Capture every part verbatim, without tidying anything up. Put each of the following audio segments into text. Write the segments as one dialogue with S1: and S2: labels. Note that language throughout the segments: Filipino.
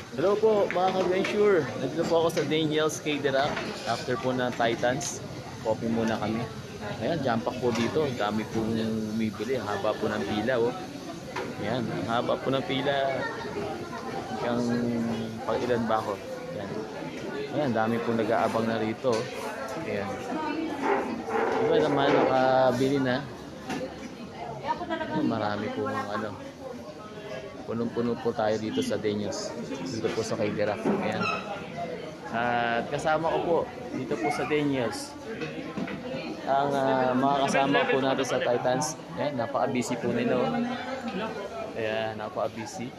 S1: Hello po mga ka-adventure. Nandito po ako sa Daniel's K-Derac. After po ng Titans, coffee muna kami. Ayan, jump pack po dito. Dami po umibili. Haba po ng pila. Oh. Ayan, ang haba po ng pila. Yung pag ilan ba ako. Ayan. Ayan, dami po nag-aabang na rito. Ayan. Iba naman nakabili na. Ayan, marami po ano. Punong-puno po tayo dito sa Daniels. Dito po sa K-Derac. Ayan. At kasama ko po dito po sa Daniels ang uh, mga kasama po natin sa Titans. Ayan, napaka-busy po nila. Oh. Ayan, napaka-busy.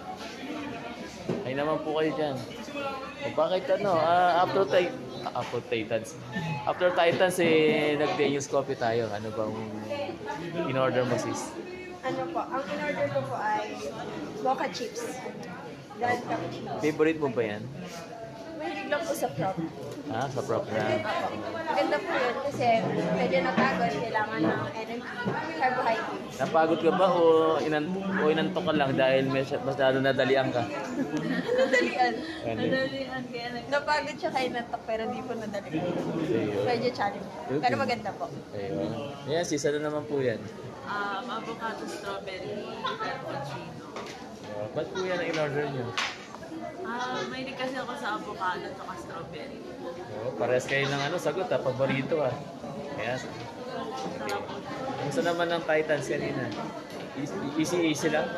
S1: Ay naman po kayo dyan. O bakit ano, uh, after, ti- uh, after Titans, after Titans eh, nag-Daniels coffee tayo. Ano bang in-order mo sis?
S2: Ano po, ang in-order ko po ay mocha chips. Grand cappuccino.
S1: Favorite mo ba yan?
S2: Mahilig lang po sa prop.
S1: Ha? Sa prop na?
S2: Apo. Maganda po yun kasi medyo napagod, kailangan ng energy, carbohydrates.
S1: Napagod ka ba o, inan o inantok ka lang dahil mas- masyado nadalian ka?
S2: Nadalian.
S1: Ano?
S2: Nadalian kaya nag- Napagod siya kay nantok pero di po nadalian.
S1: Ayun.
S2: Medyo challenge. Pero maganda po.
S1: Ayun. Ayan, sis, ano naman po yan?
S3: Um, avocado strawberry cappuccino.
S1: Uh, ba't po yan ang in-order nyo?
S3: Ah, mahilig kasi ako sa avocado at strawberry.
S1: Oh, parehas kayo ng ano, sagot ha, paborito ah. Ayan. Okay. Kumusta naman ng Titans kanina? Easy-easy lang?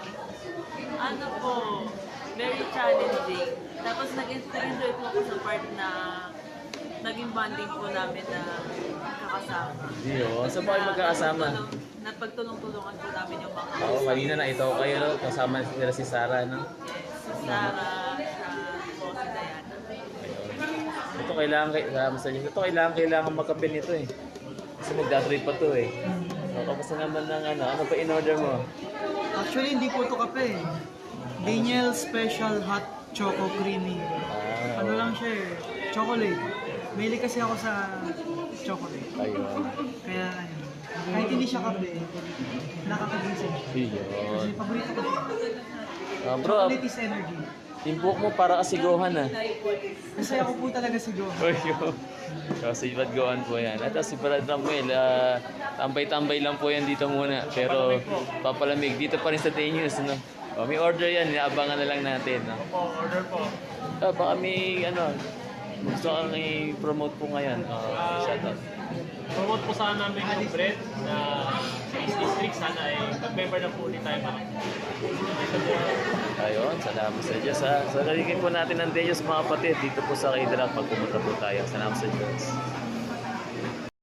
S3: Ano po, very challenging. Tapos nag-enjoy po ako sa part na naging bonding po namin na kakasama.
S1: Yun. Saan ba kayo magkakasama?
S3: Na pagtulong-tulungan po namin yung mga
S1: Oo, kanina na ito kayo, no? Kasama nila si Sarah, no?
S3: si Sarah, sa po si Diana.
S1: Ayun. Ito kailangan, kailangan sa inyo. Ito kailangan, kailangan magkape nito eh. Kasi magda-trip pa to eh. So, kamusta naman ng ano? Ano pa in-order mo?
S4: Actually, hindi po ito kape. Daniel Special Hot Choco Creamy.
S1: Ah,
S4: Ano lang siya eh, chocolate. Mahilig kasi ako sa chocolate.
S1: ayun.
S4: Kaya ayun, kahit hindi siya kape, nakakagising siya. Kasi
S1: Ayun.
S4: paborito ko siya.
S1: Ah, bro,
S4: Chocolate is energy.
S1: timbuk mo para kasiguhan ah.
S4: Kasi ako po talaga si Go.
S1: Ayun. So, si Brad Goan po yan. At si Brad Ramuel, ah, tambay-tambay lang po yan dito muna. Pero papalamig dito pa rin sa Daniels, no? O, may order yan, inaabangan na lang natin, no?
S5: Po, order po.
S1: Ah, baka may, ano, gusto kang i-promote po ngayon. Uh, shoutout.
S5: Promote po sana namin yung bread na sa East District. Sana ay mag-member na po ulit tayo mga.
S1: Ayun, salamat sa Diyos, ha? So, nalingin po natin ang Diyos, mga kapatid, dito po sa K-Derac pag pumunta po tayo. Salamat sa Diyos.